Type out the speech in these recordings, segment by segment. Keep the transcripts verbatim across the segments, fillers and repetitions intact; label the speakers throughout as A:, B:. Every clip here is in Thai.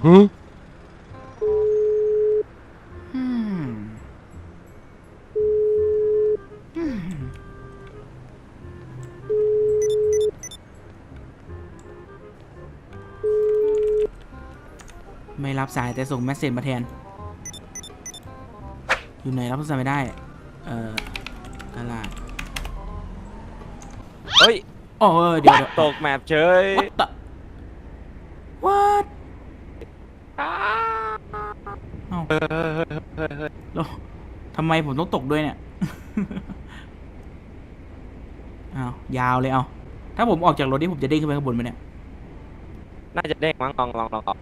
A: ไม่รับสายแต่ส่งเมสเซจมาแทนอยู่ไหนรับโทรศัพท์ไม่ได้เอ่อตลาด
B: เฮ้ย
A: โอ้เดี๋ยว
B: ตกแมปเฉย
A: what เอ้าแล้วทำไมผมต้องตกด้วยเนี่ยอ้าวยาวเลยเอาถ้าผมออกจากรถนี่ผมจะเด้งขึ้นไปข้างบนไหมเนี่ย
B: น่าจะเด้งมั้งลองลองลองออก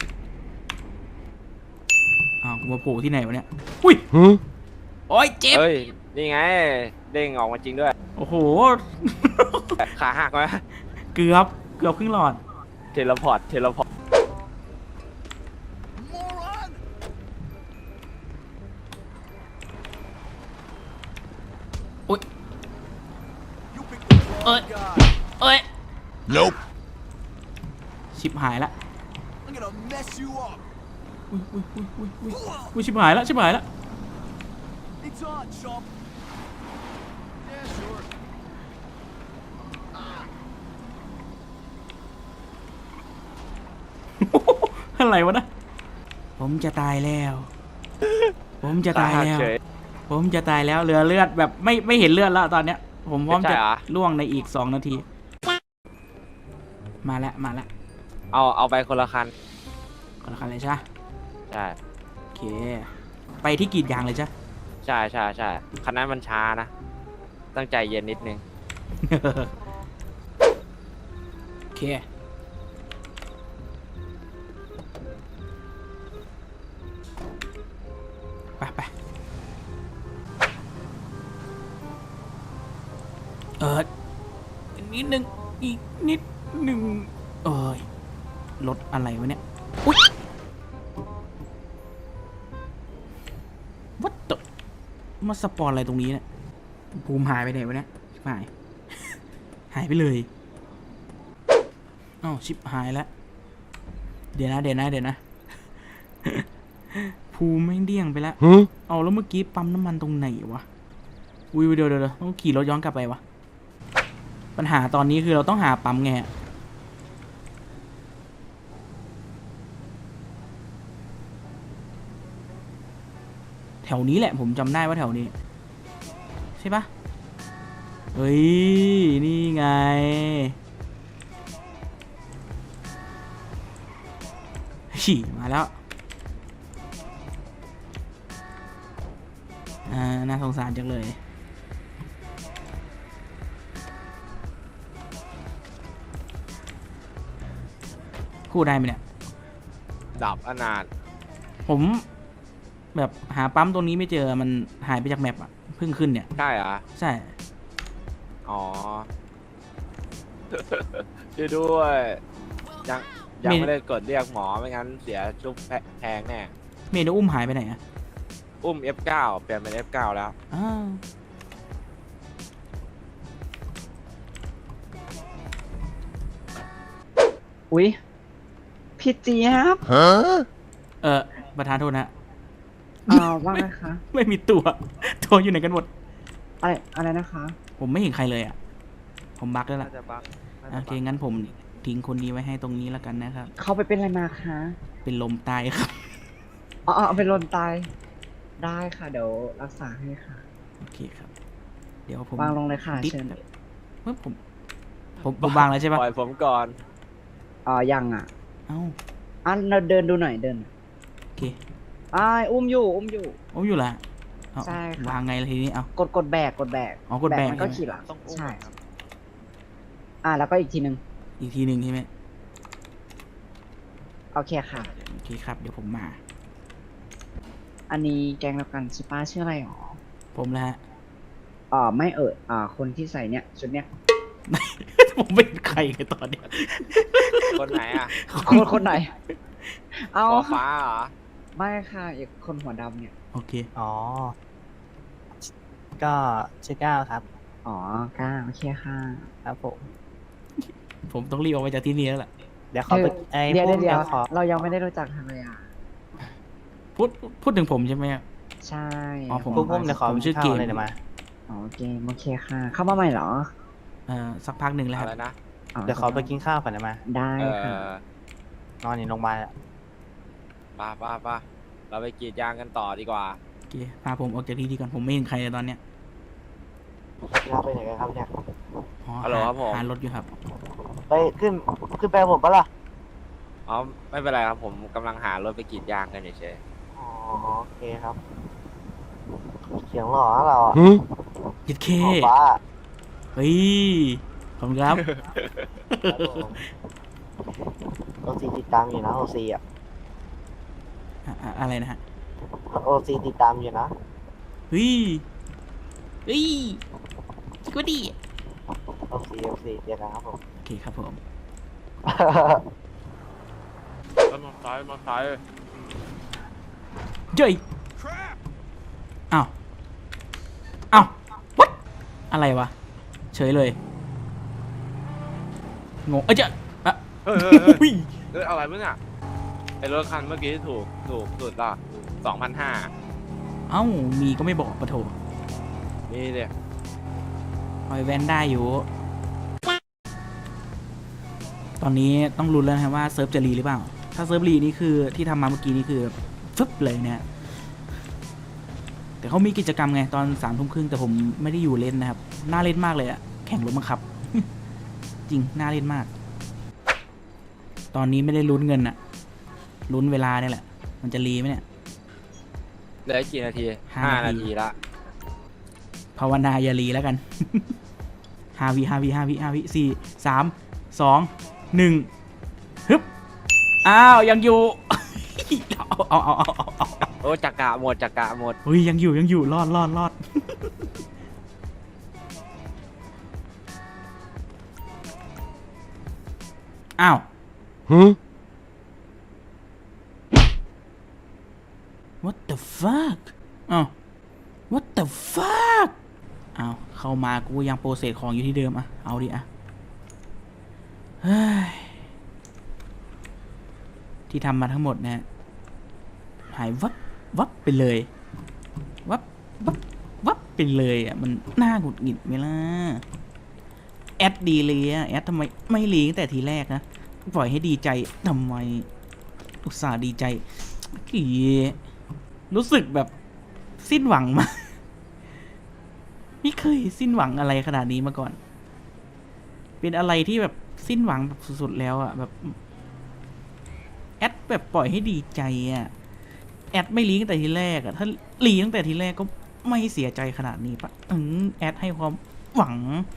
A: อ้าวมาโผล่ที่ไหนวะเนี่ยอุ้ยโอ้ยเจ็บ
B: เฮ้ยนี่ไงเด้งออกมาจริงด้วย
A: โอ้โห
B: ขาหักไหม
A: เกือบเกือบครึ่งหลอด
B: เทเลพอร์ตเทเลพอร์ต
A: อุ้ยเอ้ยเอ้ย
C: Nope
A: ชิบหายละอุ้ยอุ้ยอุ้ยอุ้ยอุ้ยอุ้ยชิบหายละชิบหายละอะไรวะนะผมจะตายแล้ว ผมจะตายแล้วผมจะตายแล้วเหลือเลือดแบบไม่ไม่เห็นเลือดแล้วตอนเนี้ยผมพร้อมจะล่วงในอีกสองนาทีมาแล้วมาแล้ว
B: เอาเอาไปคนละคัน
A: คนละคันเลยใช่ไหม
B: ใช่
A: โอเคไปที่กรีดยางเลยใช่
B: ใช่ใช่ใช่คันนั้นมันช้านะตั้งใจเย็นนิดนึง
A: โอเคไปไปเออนิดนึงอีกนิดหนึ่งเอ้ยรถอะไรวะเนี่ยอุ๊ยวัดตมาสปอนอะไรตรงนี้เนี่ยภูมิหายไปไหนวะเนี่ยหายหายไปเลยอ้าวชิบหายแล้วเดี๋ยวนะเดี๋ยวนะเดี๋ยวนะภูมิไม่เดี่ยงไปแล้วเอาแล้วเมื่อกี้ปั๊มน้ำมันตรงไหนวะอุ้ยเดี๋ยวเดี๋ยวต้องขี่รถย้อนกลับไปวะปัญหาตอนนี้คือเราต้องหาปั๊มไงแถวนี้แหละผมจำได้ว่าแถวนี้ใช่ปะเฮ้ยนี่ไงฉี่มาแล้วอ่าน่าสงสารจังเลยคู่ได้ไหมเนี่ย
B: ดับอนาถ
A: ผมแบบหาปั๊มตรงนี้ไม่เจอมันหายไปจากแมปอ่ะเพิ่งขึ้นเนี่ย
B: ใช่เหรอ
A: ใช่
B: อ๋อช่วยด้วยยังยังไม่ได้กดเรียกหมอไม่งั้นเสียชุบแพงแน่
A: เมนูอุ้มหายไปไหนอ่ะ
B: อุ้ม เอฟ เก้า เปลี่ยนเป็น เอฟ เก้า แล้ว
A: อ้าว
D: อุ๊ยพี่เจี๊ยบ
C: ฮะ
A: เออประธานโทษนะ
D: อ้าวว่าไงคะ
A: ไม่มีตัวตัวอยู่ไหนกันหมด
D: อะไรอะไรนะคะ
A: ผมไม่เห็นใครเลยอ่ะผมบั๊กแล้วล่ะโอเคงั้นผมทิ้งคนนี้ไว้ให้ตรงนี้แล้วกันนะครับ
D: เขาไปเป็นอะไรมาคะ
A: เป็นลมตายครับ
D: อ๋อเป็นลมตายได้ค่ะเดี๋ยวรักษาให้ค่ะ
A: โอเคครับเดี๋ยวผม
D: วางลงเลยค่ะเชิญ
A: เมื่อผมผมผมวางแล้วใช่ปะ
B: ปล่อยผมก่อน
D: อ๋อยังอ่ะ
A: เอ้า
D: อ่ะเราเดินดูหน่อยเดิน
A: โอเค
D: อ่าอุ้มอยู่อุ้มอยู่
A: อุ้มอยู่ละ
D: ใช่
A: วางไงทีนี้เอา
D: กดกดแบกกดแบก
A: อ๋อกดแบก
D: มันก็ขี่หลังใช่อ่าแล้วก็อีกทีหนึ่ง
A: อีกทีหนึ่งใช่ไหม
D: โอเคค่ะ
A: โอเคครับเดี๋ยวผมมา
D: อันนี้แกงแล้วกันชิป้าชื่ออะไรหรอ
A: ผมแหละ
D: อ่าไม่เอ่ยอ่าคนที่ใส่เนี่ยชุดเนี้ย
A: ผมไม่เป็นใครเลยตอนนี้
B: คนไหนอ่ะ
D: คนคนไหน
B: เอาฟ้าเหรอ
D: ไม่ค่ะอีกคนหัวดำเนี่ย
A: โอเค
E: อ๋อก็ชื่อก้าวครับ
D: อ๋อก้าวโอเคค่ะ
E: ครับผม
A: ผมต้องรีบออกไปจากที่นี่แล้วล่ะ
E: เดี๋ยวขอไป
D: เดี๋ยวเดี๋ยวเรายังไม่ได้รู้จักทำไมอ่ะ
A: พูดพูดถึงผมใช่ไหมอะ
D: ใช่
A: อ๋อผม
E: พวกผมเดี๋ยวขอ
A: ผมชื่อเกม
E: ข้าวเลยเดี๋ยวมา
D: อ๋อเกมโอเคค่ะ เข้ามาใหม่เหรอ
A: เอ่อสักพักหนึ่งแล้วค
B: อะ
A: รับ
B: ไรนะ
E: เดี๋ยวขอไปกินข้าวก่อนเดี๋ยวมา
D: ได้
B: เอ
D: ค่ะ
B: อน
E: อนอยู่โรงพยาบาลอะ
B: ป้าป้าป้าเราไปกรีดยางกันต่อดีกว่า
A: โอเคพาผมออกจากที่นี่ก่อนผมไม่เห็นใครเลยตอนเนี้ย
C: เราไปไหนกันครับเนี่ย
A: อ๋อ
B: ฮัลโหลครับผม
A: หารถอยู่ครับ
C: ไปขึ้นขึ้นไปกับผมปะล่ะ
B: อ๋อไม่เป็นไรครับผมกำลังหารถไปกรีดยางกันเฉย
C: อ๋อโอเคครับ เสียงหล่อนะเราอ่ะ
A: ยิดเค
C: หล่อฟ้า
A: เฮ้ยขอบคุณครับ
C: ครับผมโอซีติดตามอยู่นะโอซีอ่ะ
A: อะอะอะไรนะฮะ
C: โอซีติดตามอยู่นะ
A: เฮ้ยเฮ้ยก็ดี
C: โอซีโอซีเจอกันครับผม
A: โอเคครับผม
B: ๆแล้วมาซ้ายมาซ้าย
A: เจ้ยอ้าวอ้าววัดอะไรวะเฉยเลยงงเอ้ยเจ้าอะ
B: เฮ้ยเฮ้ยเฮ้ย
A: อุ้ย
B: เฮ้ยอะไรมึงอ่ะไอรถคันเมื่อกี้ถูกถูกสุดละสองพันห้า
A: เอ้ามีก็ไม่บอกปะโถ
B: นี่เนี่ย
A: คอยแวนได้อยู่ ตอนนี้ต้องลุ้นแล้วนะว่าเซิร์ฟจะรีหรือเปล่า ถ้าเซิร์ฟรีนี่คือที่ทำมาเมื่อกี้นี่คือฟึบเลยเนี่ยแต่เขามีกิจกรรมไงตอนสามทุ่มครึ่งแต่ผมไม่ได้อยู่เล่นนะครับ น่าเล่นมากเลยอะแข่งรถบังคับ จริง น่าเล่นมาก ตอนนี้ไม่ได้ลุ้นเงินอะลุ้นเวลาเนี่ยแหละ มันจะรีไหมเนี่ย
B: เหลืออีกกี่นาที
A: ห้า
B: ห้า
A: นา
B: นา
A: ที
B: ทีละ
A: ภาวนาอย่ารีแล้วกัน ห้าวิห้าวิห้าวิห้าวิสี่สามสองหนึ่งฮึบอ้าวยังอยู่ เอาเอาเอาเอาเอา
B: โอ้จักระหมดจักระหมด
A: เฮ้ยยังอยู่ยังอยู่รอดรอดรอด อ้าว what the fuck อ้าว what the fuck อ้าวเข้ามากูยังโปรเซสของอยู่ที่เดิมอะเอาดิอะเฮ้ยที่ทำมาทั้งหมดเนี่ยหายวับวับไปเลยวับวับวับไปเลยอะมันน่าหงุดหงิดไหมล่ะแอดดีเลยอะแอดทำไมไม่เลี้ยงแต่ทีแรกนะปล่อยให้ดีใจทำไมอุตส่าห์ดีใจกี่รู้สึกแบบสิ้นหวังมาก ไม่เคยสิ้นหวังอะไรขนาดนี้มาก่อน เป็นอะไรที่แบบสิ้นหวังแบบสุดๆแล้วอะแบบแอดแบบปล่อยให้ดีใจอะแอดไม่ลีตั้งแต่ทีแรกอะถ้าลีตั้งแต่ทีแรกก็ไม่เสียใจขนาดนี้ปะอืมแอดให้ความหวัง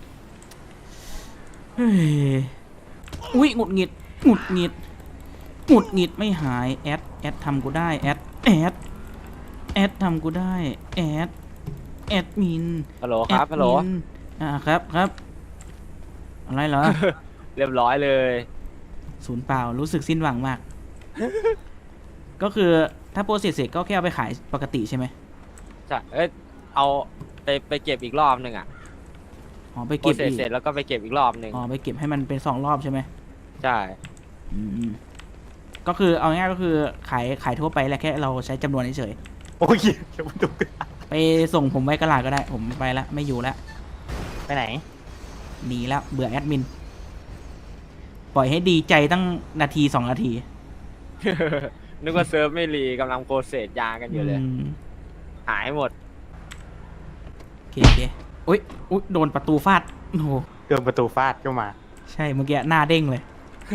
A: เฮ้ยอุ้ยหงุดหงิดหงุดหงิดหงุดหงิดไม่หายแอดแอดทำกูได้แอดแอดแอดทำกูได้แอดแอดมิน
B: ฮัลโหลครับฮัลโหล
A: แอดมินอ่าครับครับอะไรเหรอ
B: เรียบร้อยเลย
A: ศูนย์เปล่ารู้สึกสิ้นหวังมาก ก็คือถ้าโปรเซสเสร็จก็แค่เอาไปขายปกติใช่ไหม
B: ใช่เอ้ยเอาไปไปเก็บอีกรอบหนึ่งอ่ะ
A: อ๋อไป
B: โปร
A: เก็บ
B: เซส
A: อีก
B: เสร็จแล้วก็ไปเก็บอีกรอบหนึ่ง
A: อ๋อไปเก็บให้มันเป็นสองรอบใช่ไหม
B: ใช่
A: อืมก็คือเอาง่ายๆก็คือขายขายทั่วไปแหละแค่เราใช้จำนวนเฉย
E: โอ้ยเดี๋ยวมันดู
A: ๆไปส่งผมไว้กระลาดก็ได้ ผมไปละไม่อยู่ละ
E: ไปไหน
A: หนีแล้วเบื่อแอดมิน ปล่อยให้ดีใจตั้งนาทีสองนาที
B: นึกว่าเซิร์ฟไม่รีกำลังโปรเซสยางกันอยู่เลย
A: ม
B: หายหมด
A: โอเคโอเคอุ้ยอุ้ยโดนประตูฟาดโอ้โห
E: เดินประตูฟาดเข้ามา
A: ใช่เมื่อกี้หน้าเด้งเลย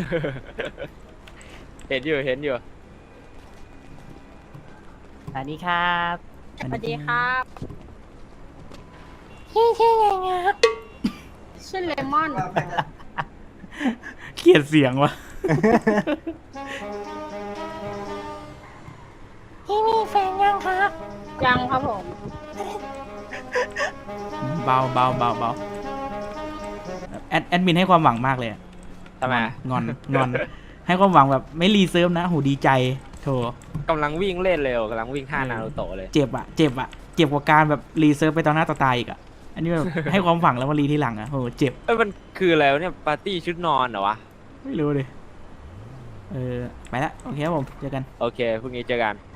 B: เห็นอยู่เห็นอยู่
E: สวัสดีครับ
F: สวัสดีครับ
E: พี่ชื่อยังไงครับ
F: ชื่อเลมอน
A: เกลียดเสียงวะ
E: พี่มีแฟนยังครับ
F: ยังครับผม
A: เบาเบาเบาเบาแอดแอดมินให้ความหวังมากเลยอะ
B: ทำไม
A: งอนงอน ให้ความหวังแบบไม่รีเซิร์ฟนะโหดีใจโถ
B: กำลังวิ่งเล่นเร็วกำลังวิ่งท่านารูโตะเลย
A: เจ็บอะเจ็บอะเจ็บกว่าการแบบรีเซิร์ฟไปตอนหน้าต่อตาอีกอะอันนี้แบบ ให้ความหวังแล้วมารีทีหลังอะโหเจ็บ
B: เอ้ยมันคืออะไรวะเนี่ยปาร์ตี้ชุดนอนเหรอวะ
A: ไม่รู้เลยเออไปละโอเคครับผมเจอกัน
B: โอเคพรุ่งนี้เจอกัน